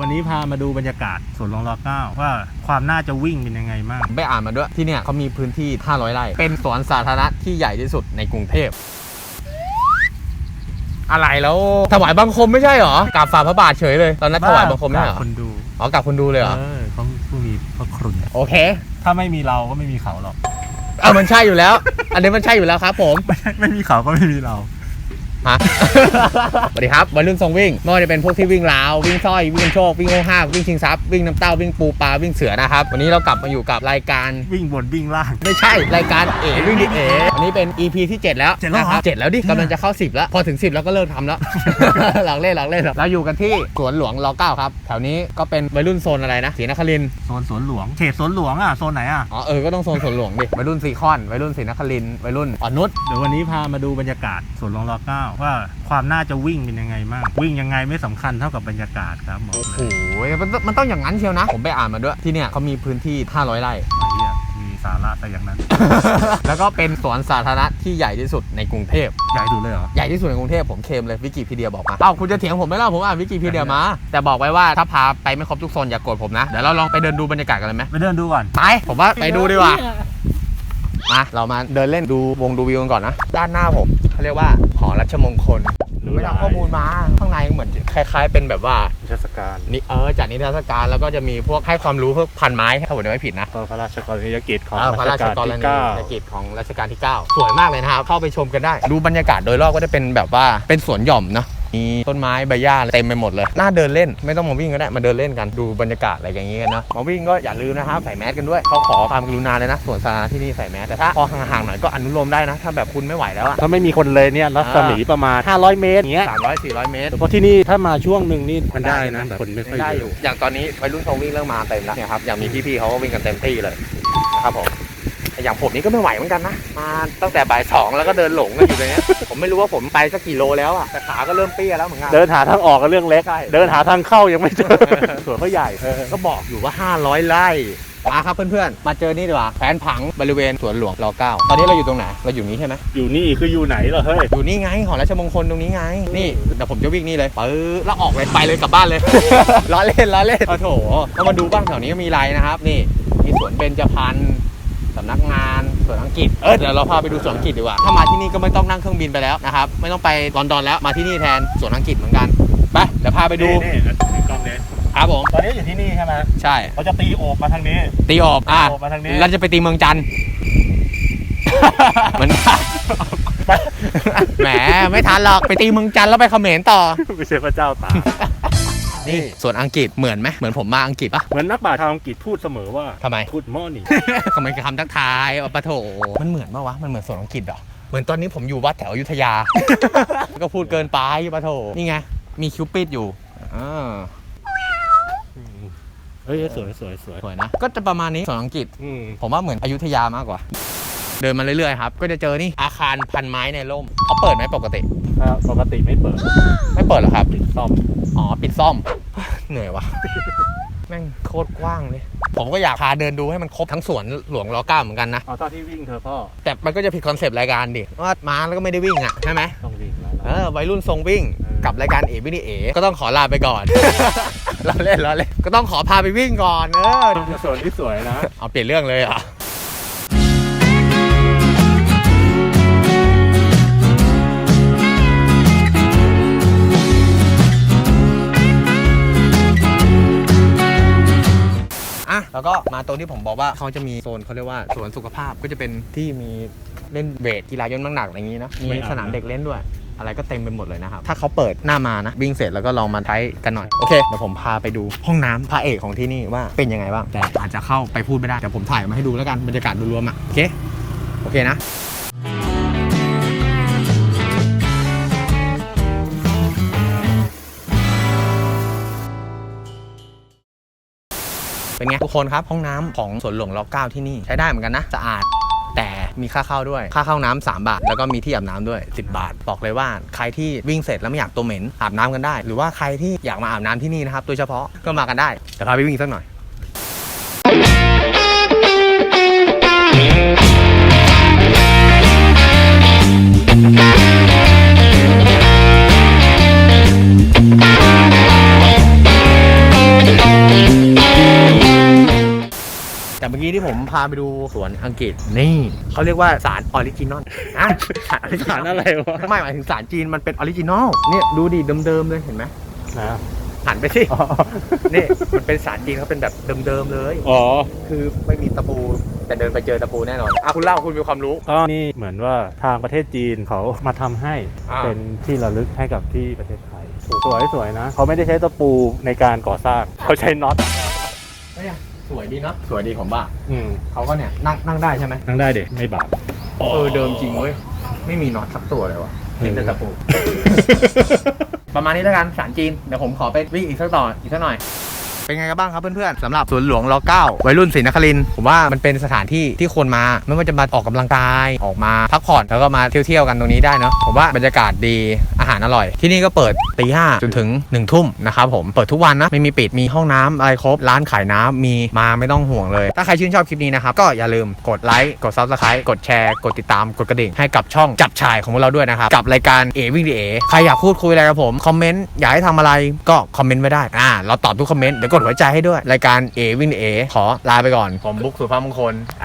วันนี้พามาดูบรรยากาศสวนหลวงร9ว่าความน่าจะวิ่งเป็นยังไงบ้างไปอ่านมาด้วยที่เนี่ยเขามีพื้นที่500 ไร่เป็นสวนสาธารณะที่ใหญ่ที่สุดในกรุงเทพอะไรแล้วถวายบังคมไม่ใช่หรอกราบฝ่าพระบาทเฉยเลยตอนนั้นถวายบังคมไม่ใช่หรอคนดูอ๋อกราบคนดูเลยเหรอเขาผู้มีพระคุณโอเคถ้าไม่มีเราก็ไม่มีเขาหรอกมันใช่อยู่แล้วอันนี้มันใช่อยู่แล้วครับผมไม่มีเขาก็ไม่มีเราสวัสดีครับวัยรุ่นทรงวิ่งไม่ว่าจะเป็นพวกที่วิ่งราววิ่งสร้อยวิ่งโชควิ่งโอห้าวิ่งชิงทรัพย์วิ่งน้ำเต้าวิ่งปูปลาวิ่งเสือนะครับวันนี้เรากลับมาอยู่กับรายการวิ่งบนวิ่งล่างไม่ใช่รายการวิ่งดิวันนี้เป็น EP ที่7แล้วนะครับ7แล้วดิกำลังจะเข้า10แล้วพอถึง10แล้วก็เลิกทำแล้วหลังเล่นเราอยู่กันที่สวนหลวงร9ครับแถวนี้ก็เป็นวัยรุ่นโซนอะไรนะศรีนครินทร์โซนสวนหลวงเขตสวนหลวงโซนไหนก็ต้องโซนสวนหลวงดิวัยรุ่นซีคอนวัยรุ่นศรีนครินทร์วัยรุ่นอ่อนนุชเดี๋ยววันนี้พามาดูบรรยากาศสวนหลวงร9ว่าความน่าจะวิ่งเป็นยังไงบ้างวิ่งยังไงไม่สำคัญเท่ากับบรรยากาศครับโอ้โหมันต้องอย่างนั้นเชียวนะผมไปอ่านมาด้วยที่เนี่ยเขามีพื้นที่500 ไร่มีสาระแต่อย่างนั้นแล้วก็เป็นสวนสาธารณะที่ใหญ่ที่สุดในกรุงเทพใหญ่ที่สุดเลยเหรอใหญ่ที่สุดในกรุงเทพผมเคลมเลยวิกิพีเดียบอกมาคุณจะเถียงผมไม่เล่าผมอ่านวิกิพีเดียมาแต่บอกไว้ว่าถ้าพาไปไม่ครบทุกโซนอย่าโกรธผมนะเดี๋ยวเราลองไปเดินดูบรรยากาศกันเลยไหมไปเดินดูก่อนไปผมว่าไปดูดีกว่าเรามาเดินเล่นดูวงดูวิวกันก่อนนะด้านหน้าผมเขาเรียกว่าหอรัชมงคลไม่ทำข้อมูลมาข้างในเหมือนคล้ายๆเป็นแบบว่านิทรรศการนี่จัดนิทรรศการแล้วก็จะมีพวกให้ความรู้พวกพันไม้ถ้าผมไม่ผิดนะพระราชกรณียกิจของพระราชกรณียกิจของรัชกาลที่9สวยมากเลยนะครับเข้าไปชมกันได้ดูบรรยากาศโดยรอบก็จะเป็นแบบว่าเป็นสวนหย่อมเนาะมีต้นไม้ใบหญ้าเต็มไปหมดเลยน่าเดินเล่นไม่ต้องมาวิ่งก็ได้มาเดินเล่นกันดูบรรยากาศอะไรอย่างเงี้ยนะมาวิ่งก็อย่าลืมนะครับใส่แมสกันด้วยเขาขอความกรุณาเลยนะสวนสาธารณะที่นี่ใส่แมสแต่ถ้าพอห่างๆหน่อยก็อนุโลมได้นะถ้าแบบคุณไม่ไหวแล้วถ้าไม่มีคนเลยเนี่ยรัศมีประมาณ500 เมตรอย่างเงี้ย 300-400 เมตรเพราะที่นี่ถ้ามาช่วงหนึ่งนี่มันได้นะคนไม่ค่อยได้อยู่อย่างตอนนี้วัยรุ่นเขาวิ่งเริ่มมาเต็มแล้วเนี่ยครับอย่างมีพี่ๆเขาก็วิ่งกันเต็มที่เลยนะครับผมอย่างผมนี่ก็ไม่ไหวเหมือนกันนะมาตั้งแต่บ่าย2แล้วก็เดินหลงกันอยู่เลยเนี้ยผมไม่รู้ว่าผมไปสักกี่โลแล้วอ่ะแต่ขาก็เริ่มเปี้ยแล้วเหมือนกันเดินหาทางออกก็เรื่องเล็กเดินหาทางเข้ายังไม่เจอสวนเขาใหญ่ก็บอกอยู่ว่า500 ไร่มาครับเพื่อนๆมาเจอนี่ดีกว่าแผนผังบริเวณสวนหลวงร9ตอนนี้เราอยู่ตรงไหนเราอยู่นี้ใช่ไหมอยู่นี่คืออยู่ไหนเหรอเฮ้ยอยู่นี่ไงหอราชมงคลตรงนี้ไงนี่เดี๋ยวผมจะวิ่งนี่เลยแล้วออกเลยไปเลยกลับบ้านเลย ล้อเล่นโอ้โถก็มาดูบ้างแถวนี้มีไรนะครับนี่มีสวนเบญจพรรณสำนักงานสวนอังกฤษเดี๋ยวเราพาไปดูสวนอังกฤษดีกว่าถ้ามาที่นี่ก็ไม่ต้องนั่งเครื่องบินไปแล้วนะครับไม่ต้องไปลอนดอนแล้วมาที่นี่แทนสวนอังกฤษเหมือนกันไปเดี๋ยวพาไปดูกล้องนี้ครับผมตอนนี้อยู่ที่นี่ใช่ไหมใช่เขาจะตีโอบมาทางนี้ตีโอบมาทางนี้เราจะไปตีเมืองจันทร์เหมือนแหมไม่ทันหรอกไปตีเมืองจันทร์แล้วไปเขมรต่อไม่ใช่พระเจ้าตานี่ส่วนอังกฤษเหมือนไหมเหมือนผมมาอังกฤษปะเหมือนนักปราชญ์ชาวอังกฤษพูดเสมอว่าทำไมพูดมอนี่ทำไมคำทักทายปะโถมันเหมือนปะวะมันเหมือนส่วนอังกฤษเหรอเหมือนตอนนี้ผมอยู่วัดแถวอยุธยาก็พูดเกินไปปะโถนี่ไงมีคิวปิดอยู่เฮ้ยสวยนะก็จะประมาณนี้ส่วนอังกฤษผมว่าเหมือนอยุธยามากกว่าเดินมาเรื่อยๆครับก็จะเจอนี่อาคารพันไม้ในร่มเขาเปิดไหมปกติไม่เปิดเหรอครับปิดซ่อมปิดซ่อมเหนื่อยวะแม่งโคตรกว้างเลยผมก็อยากพาเดินดูให้มันครบทั้งสวนหลวงร9เหมือนกันนะตอนที่วิ่งเธอพ่อแต่มันก็จะผิดคอนเซปต์รายการดิว่ามาแล้วก็ไม่ได้วิ่งอ่ะใช่ไหมต้องวิ่งวัยรุ่นทรงวิ่งกับรายการวิ่งก็ต้องขอลาไปก่อนเราเล่นก็ต้องขอพาไปวิ่งก่อนสวนที่สวยนะเอาเปลี่ยนเรื่องเลยอ่ะแล้วก็มาตรงที่ผมบอกว่าเขาจะมีโซนเขาเรียกว่าสวนสุขภาพก็จะเป็นที่มีเล่นเวทกีฬายกน้ำหนักอะไรอย่างนี้นะมีสนามเด็กเล่นด้วยอะไรก็เต็มไปหมดเลยนะครับถ้าเขาเปิดหน้ามานะวิ่งเสร็จแล้วก็ลองมาใช้กันหน่อยโอเคเดี๋ยวผมพาไปดูห้องน้ำพระเอกของที่นี่ว่าเป็นยังไงบ้างแต่อาจจะเข้าไปพูดไม่ได้เดี๋ยวผมถ่ายมาให้ดูแล้วกันบรรยากาศรวมๆโอเคนะเป็นไงทุกคนครับห้องน้ำของสวนหลวงร9ที่นี่ใช้ได้เหมือนกันนะสะอาดแต่มีค่าเข้าด้วยค่าเข้าน้ำ3 บาทแล้วก็มีที่อาบน้ำด้วย10 บาทบอกเลยว่าใครที่วิ่งเสร็จแล้วไม่อยากตัวเหม็นอาบน้ำกันได้หรือว่าใครที่อยากมาอาบน้ำที่นี่นะครับโดยเฉพาะก็มากันได้เดี๋ยวพาไปวิ่งสักหน่อยมื่อกี้ที่ผมพาไปดูสวนอังกฤษนี่เขาเรียกว่าสารออริจินอลสารอะไรวะไม่หมายถึงสารจีนมันเป็นออริจินอลเนี่ยดูดิเดิมๆเลยเห็นไหมนะหันไปสินี่มันเป็นสารจีนเขาเป็นแบบเดิมๆเลยอ๋อคือไม่มีตะปูแต่เดินไปเจอตะปูแน่นอนคุณเล่าคุณมีความรู้ก็นี่เหมือนว่าทางประเทศจีนเขามาทำให้อ่าเป็นที่ระลึกให้กับที่ประเทศไทยสวยๆนะเขาไม่ได้ใช้ตะปูในการก่อสร้างเขาใช้น็อตเนี่ยสวยดีเนาะสวยดีผมว่าอืมเขาก็เนี่ยนั่งได้ใช่ไหมนั่งได้เด็กไม่บาปเดิมจริงเว้ยไม่มีน็อตสักตัวเลยวะเห็นแต่ตะปู ประมาณนี้แล้วกันสารจีนเดี๋ยวผมขอไปวิ่งอีกสักหน่อยเป็นไงกันบ้างครับเพื่อนๆสำหรับสวนหลวงร9วัยรุ่นศรีนครินทร์ผมว่ามันเป็นสถานที่ที่คนมาไม่ว่าจะมาออกกำลังกายออกมาพักผ่อนแล้วก็มาเที่ยวกันตรงนี้ได้เนาะผมว่าบรรยากาศดีอาหารอร่อยที่นี่ก็เปิดตี 5จนถึง1 ทุ่มนะครับผมเปิดทุกวันนะไม่มีปิดมีห้องน้ำอะไรครบร้านขายน้ำมีมาไม่ต้องห่วงเลยถ้าใครชื่นชอบคลิปนี้นะครับก็อย่าลืมกดไลค์กด Subscribe กดแชร์กดติดตามกดกระดิ่งให้กับช่องจับฉ่ายของพวกเราด้วยนะครับกับรายการเอวิ่งดีเอใครอยากพูดคุยอะไรกับผมคอมเมนต์อยากให้ทำอะไรก็คอมเมนต์ไว้ได้เราตอบทุกคอมเมนต์เดี๋ยวกดหัวใจให้ด้วยรายการเอวิ่งดีเอขอลาไปก่อนผมบุ๊กสุภาพมงคล